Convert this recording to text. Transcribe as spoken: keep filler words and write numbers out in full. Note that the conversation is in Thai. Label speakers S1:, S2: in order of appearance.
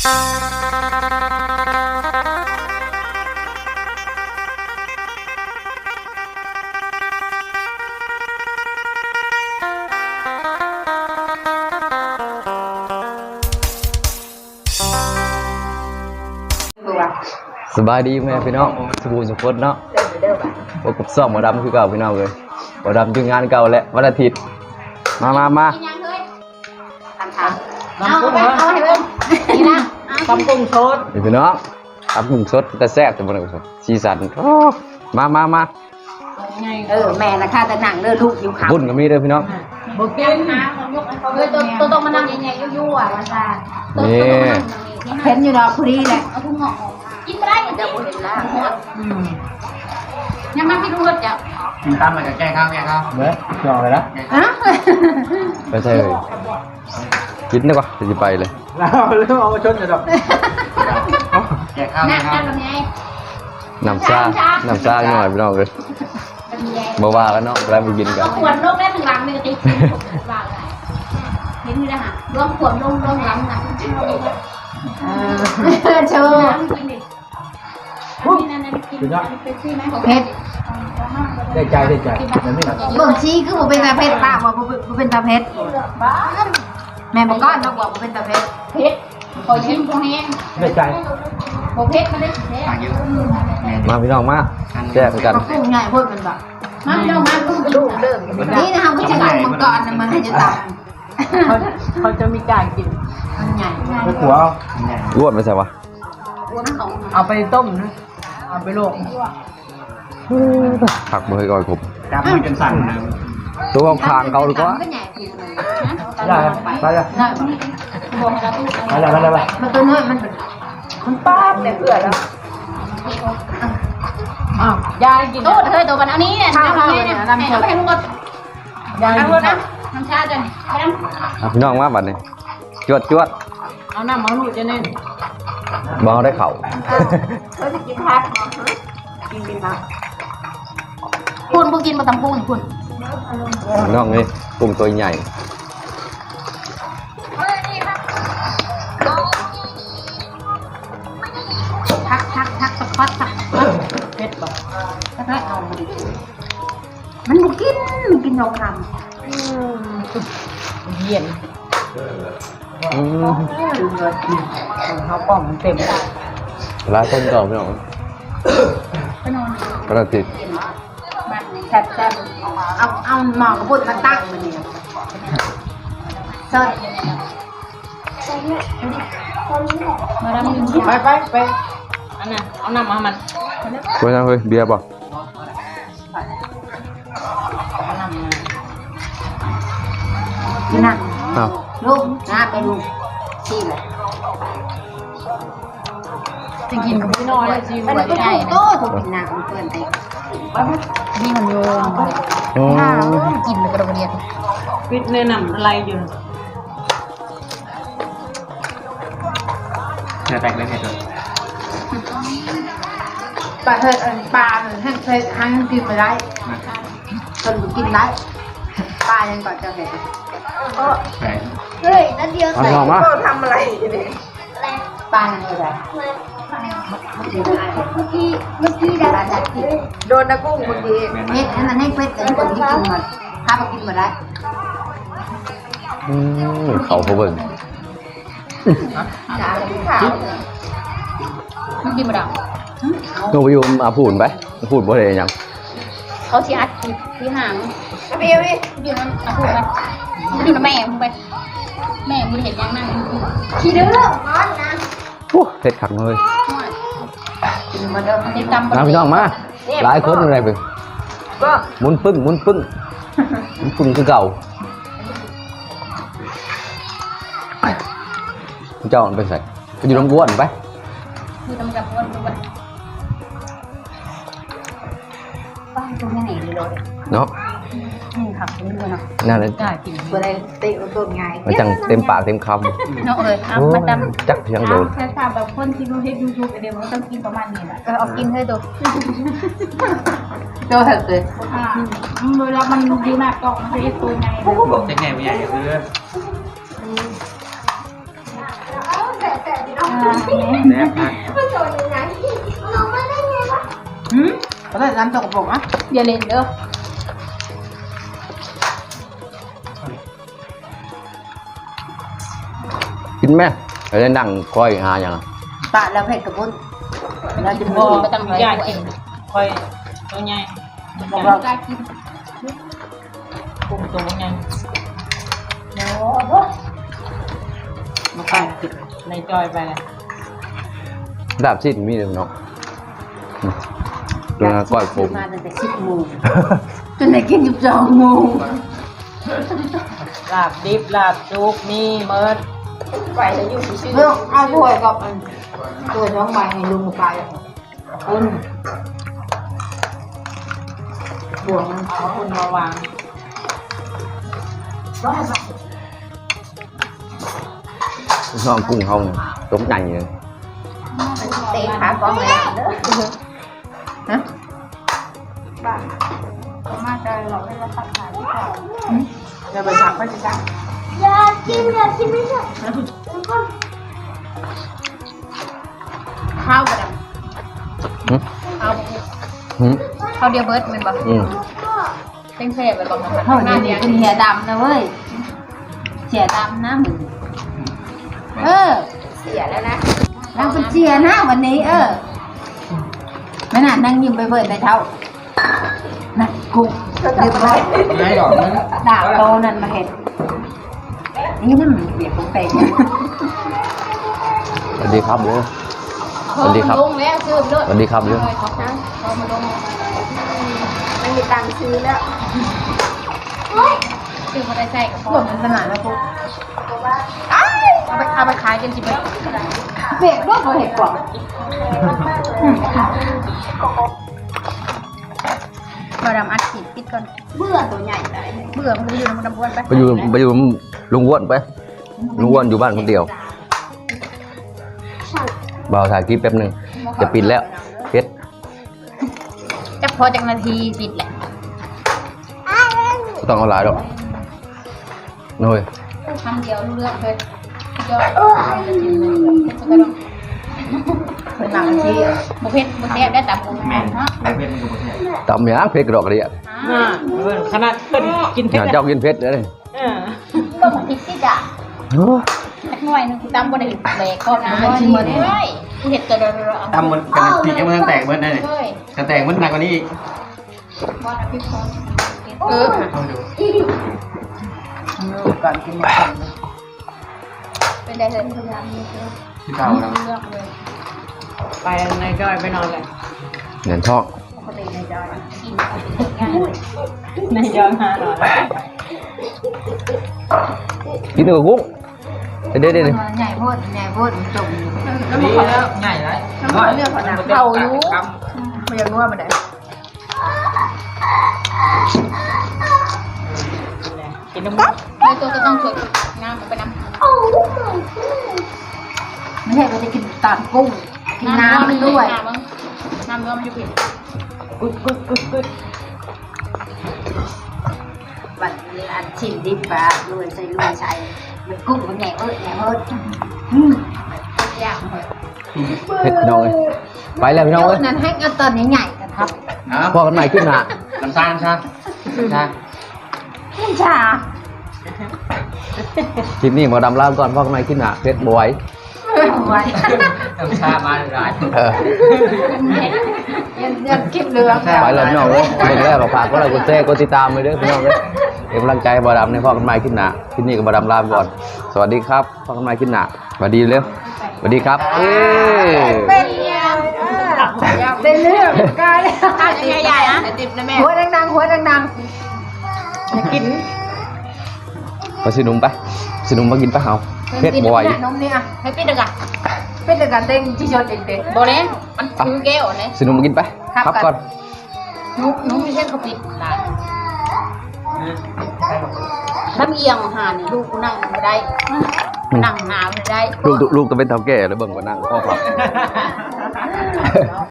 S1: สบายดีแม่พี่น้องสบู่สุขพจน์เนาะพบกับซ่อมหมอดำคือเก่าพี่น้องเลยหมอดำจึงงานเก่าแหละวันอาทิตย์มามามา
S2: เอาไปเอาให้เบิ่งนี่นะตำกุ้งสด
S1: พี่น้องตำกุ้งสดแต่แซ่บแต่บ่ได้สดสีสันมามามา
S2: เออแม่นะค่ะแต่หนังเด้อลูกอยู่ขา
S1: บุญก็มีเด้อพี่น้อง
S2: บ่กินนะยกให้เขาเลยตัวต้องมานั่งใหญ่ๆยั่วๆว่าซะ
S1: นี่
S2: เห็นอยู่ดอกพอดีแหละเอาทุ่งงอกกินบ่ได้เดี๋ยวบ่เห็นแล้วอืมยังมาพี่ดูรถจ้ะ
S3: กินตามมาจากแก้ข้าวแม่ครับเบ้อจองเลยนะ
S2: ฮะ
S1: ไม่ใช่เลยกินได้ปะจะไปเลย
S3: เราเรื่องเอามาชนจะดอกแก้ข้าวแม่ครับ
S1: น้ำซ่าน้ำซ่าหน่อยพี่น้องเลยบ่ว่ากันเนาะแล้วไปกินกัน
S2: ขวดลงได้ถึงหลังนี่ก็ติดว่าอะไรเห็นอยู่นะฮะรวมขวดลงลงหลังน่ะเออโชว์เพชร
S3: ได้ใจได้ใจมันไม่หนัก
S2: บ่ชี้คือบ่เป็นตาเพชรป้าบ่บ่เป็นตาเพชรแม่บอกก้อนบอกว่าบ่เป็นตาเพชรเพชรขอยิ้มพวกนี้
S3: ได้ใจ
S2: บ่เพชรมาได้แท้
S1: มาพี่น้องมาแซ่บกัน
S2: กุ้งง่ายพูดมันแบบมาพี่น้องมากุ้งลูกเริ่มนี่นะคะผู้จัดการมังกรมันให้จะตามเขาเขาจะมีการกินมันใหญ่
S3: ไม่กลัว
S1: รวดไม่ใช่ปะ
S2: เอาไปต้มนะเอาไปลวก
S1: ผักมือก่อนผม
S3: จับมือจนสั่นนะ
S1: ตัวคางเขาหรือเปล่า
S3: ได้ไปเลยไปเลยไปเลยไป
S2: มันตัวน้อยมันมันป้าบเลยเบื่อแล้วอ้าวยายกินตู้เธอตัวมันเอานี้เนี่ยทำนี้เนี่ยน้ำชาไปให้ลูกก็ยายกินนะน้ำชาจ้ะ
S1: พี่น้องมาบัดนี้จวดจวด
S2: เอาน้ำมันหนูจะเน้น
S1: บองได้เข่า
S2: เขาจะกินพักกินกินพักคุณพวกกินมาตำพุงคุณ
S1: น้องนี่กุ้งตัวใหญ่
S2: ทักทักทักสะพัดทักเผ็ดป่ะถ้าได้เอามันบุกินมันกินยองคำเย็น
S1: อืม
S2: เขาป้องมันเต็ม
S1: ร้านต้นก่อนพี่น้อง
S2: ไปนอน
S1: กระติด
S2: แซ่บแซ่บเอาเอาหมอกระพุ้นมาตั้งมันเนี่ยสดมาดำไปไปไปอันน่ะเอาน้ำมามัน
S1: เฮ้ยเฮ้ยเบียร์ป่ะ
S2: นี่นะลูกน้าไปลูกชีเลยจะกินกับพี่น้อยชีมันก็ได้โต้ถูกกินน้ำเพื่อนไปนี่มันโยนข้าวกินกระโดดเรียนปิดเนื้อหนังอะไรอยู่
S3: เนื้อแตกเลยเนี่ย
S2: ปลาเถิดปลาเหมือนให้เคยทั้งกินไปได้คนกินได้ปลายังก่อนจะเห็นเฮ้ยนั่นเดียวใส่ก็ทำอะไรเนี่ยปลาอะไรเมื่อกี้เมื่อกี้ได้จากที่โดนนะกุ้งเมื่อกี้เฮ็ดอันนั้นให้เป็ดแต่คนที่กินมันถ้าไปกินมาได้
S1: อืมเขาเขาเบิ่ง
S2: ขาขาวมันกินมาดัง
S1: โนไปอยู่อาพูดไปพูดบ่ได้ยัง
S2: เขาชี้อัดที่ห่างไปไปอยู่นั่นอาพูดไปอยู่กับแม่มึงไปแม่มึงเห็นยังนั่งขี้ดื้อร้อนนะ
S1: โอ้เผ็ดขังเลย
S2: มาเดิมติดตาม
S1: มาพี่น้องมาหลายคนอะไรไปมุนปึ้งมุนปึ้งมุนปึ้งคือเก่าเจ้าไปใส่ไปอยู่ลำบ้วนไป
S2: อยู่ลำกับบ้วนไปบ้านตรงนี้ไหนเลย
S1: เนาะ
S2: นี่ครับนี่เลยเนาะ
S1: นั่นเลย
S2: อะไรเตะต้นไง
S1: มันจังเต็มปากเต็มคำ
S2: เนาะเลยเอามาด
S1: ำจักเพียงโดน
S2: แค่ทำแบบคนที่ดูให้ยูทูบเดี๋ยวมันต้องกินประมาณนี้แหละเอากินให้ดูดูเถอะเลยเวลามันดีมากก็มันจะตัวไง
S3: บอกจะไงไม่ใหญ่คือ
S2: เ
S4: แซ่บมาก
S2: หืมก็ได้น้ำตกปกอ่ะ
S3: อย่าเล่นเด้อ
S1: กินไหมเราได้นั่งคอยหาอย่าง
S2: ปะแล้วเผ็ดกับบุญเราจะ
S3: บ่
S2: มี
S3: ไปตั้งยากินค่อยตัวใหญ่
S2: บอกเรา
S3: กล้ากินกุ้งตัวใหญ่
S2: มาไปกิน
S3: ในจอยไปเลย
S1: ดาบสิ้นมีเลยเนาะตัวนั้นก้อยผม
S2: มาตั้งแต่สิบโมงจนได้กินสิบสองโมง
S3: ลาบดิบลาบจุกมีเมิดไปจะอยู่ชื่อ
S2: เรื่องเอาถ้วยกับอันถ้วยท้องใบให้ลุงไปคุณบวกมัน
S3: เอาคุณมาวาง
S1: น้องกุ้งเขาเนี่ยต้มใหญ่เลย
S2: เตะขาก้อนเลยฮะ
S3: มาจะหลอกให้เราตัดขายที่ก่อน
S2: จะไปผักก็จะได้
S5: อยากกินอยากกินไม่ใช่แล้วก็
S3: ข้าวกระด
S1: หึ
S3: ำข้าว
S1: หึ
S3: ข้าวเดียวเบิร์ดเป็นแบบ
S1: อืม
S3: เต้งเท่ไปบอกมัน
S2: เท่า
S3: หน้า
S2: นี้
S3: เดียว
S2: เป็นเหียดำนะเว้ยเสียดำนะมึงเออ
S3: เสียแล้วนะ
S2: นางเป็นเสียนะวันนี้ เออไม่น่านั่งยิ้มไปเบิดในเท่านะกูเรียบร้อย
S4: ไม่หรอกมัน
S2: ดาบโตนั่นมาเห็นนี่นั่นมันเปียกของเตง
S1: สวัสดีครับเลย สวัสดีครับ
S3: ลงแล้วซื้อไปด้วย
S1: สวัสดีครับเลย
S3: เขานะเขามาลง
S2: ไม่มีตังค์ซื้อแล้ว
S3: ซื้อมาได้ใส่กับพ่
S2: พ
S3: อ
S2: วกมันขนาดนะกู
S3: เอาไปเอาไปขายกันสิไป
S2: เปียกด้วยพอเห็ดกว่า
S3: มาดำอัดขีดปิดก่อน
S2: เบื่อตัวใหญ่เลย
S3: เบื่อมันจะอยู่ในมันดำบ้วนไป
S1: ไปอยู่ไปอยู่ลุงอ้วนไปลุงอ้วนอยู่บ้านคนเดียวเบาถ่ายคลิปแป๊บหนึ่งจะปิดแล้วเพชร
S3: จะพอจากนาทีปิดแหละ
S1: ไม่ต้องเอาหลายหรอกน้อย
S3: คำเดียวรู้เรื่องเลยยอด
S2: เป็นหนังที่
S3: บุเพชรบุเพชรได้แต่บุญ
S4: แม่
S3: ฮะ
S4: แต่เป็นกูบ่แซ่บ
S1: ตำยางเพชรกระดอกกระเดียด
S3: ขนาดเป็นกินเพ
S1: งา
S3: ช
S1: น
S3: ร
S1: เจ้ากินเพชรเลย
S3: ก็มันติดที่ด่าสักหน่อยนึงกูตำบ่ได้แหลกก็นะเฮ้ยกูเห็ดตัวเดียว
S4: ตำมันเป็นปีกให้มันแตกเบิ้ลได้เลย
S3: เฮ้ย
S4: จะแตกมันหนักกว่านี้อีก
S3: บอลพี่พรเออ
S4: ลองดู
S2: ก่อนกินมาก่อน
S3: เป็นได้เลยพยายามมีเ
S4: ที่เก่าแล้ว
S3: ลือกเลย
S6: ไปในจอยไปนอนเลย
S1: เหรียญทอง
S3: คนเด็กในจอยกินง่ายเลย
S6: ในจอยหานอน
S1: กินตัวกุ้งเด็ดเด็ด
S2: ใหญ่โพดใหญ่โพดจม
S4: นี่แล้วง่ายเลย
S2: เรื่องของหนัง
S3: เข่าอยู่
S2: มันยังนัวมันได้
S6: กินน้ำมัน
S3: ในตัวก็ต้องสวยงามไปน้ำ
S2: ไม่ใช่มันจะกินตามกุ้งกินน้ำมันด้วย
S3: น้ำเนื้อมันจะผิด
S6: กุดกุดกุดกุด
S2: บัดนี้อันชิมดิบปลาด้วยใส่ลุยใส่มันกุ้งมันใหญ่เอ้ยใหญ่เอ้ย
S3: ยากเลย
S1: เพชรพี่น้องเลยไปแล้วพี่น้อง
S2: เดี๋
S1: เลย
S2: ยวนั้นให้เอาตอนใหญ่ๆกันครับ
S4: ครับ
S1: พอกันใหม่ขึ้นหนา
S4: น้ำตาลใช่ใช่
S2: น้ำชา
S1: คลิปนี้หมอดำลาก่อนพอกันใหม่ขึ้นหนาเพชรบอย
S2: ไว้
S4: น้ำชามาหลาย
S1: เออ
S2: ยังยังคิดเรื่อง
S1: ไปแล้วพี่น้องเลยเด็กแรกก็ฝากก็เลยกดแชร์กดติดตามไปด้วยพี่น้องเลยเป็นกำลังใจให้บอดำในพ่อกันใหม่ขึ้นหนาคลิปนี้ก็บอดำลาไปก่อนสวัสดีครับพ่อกันใหม่ขึ้นหนาสวัสดีเร็วสวัสดีครับเอ้ย
S2: เป็นยังเป็นเรื่องกาย
S3: ข้าวจะใหญ่ๆนะติดนะแม่
S2: หัวดังๆหัวดัง
S3: จะกิน
S1: ไปสิหนุ่มไปสิหนุ่มมากินปะเฮาเพชรบอย
S2: ๆนมนี่อ่ะ
S3: ให้ปิดเลยอ่ะ
S2: เป็นการเต้นที่ชดเด็ก
S3: โบเล่มันคือแก้วเลย
S1: สิหนุ่มมากินไปครับก่อน
S3: นุ๊กนุ๊กมีเส้นเขาปิดร้านถ้ามีเอียงหานี่ลูกกูนั่งไม่ได้นั่งหนาวไม่ได้
S1: ลูกลูกก็เป็นเท่าแก่แล้วเบิ่งกว่านั่งพ่อครับ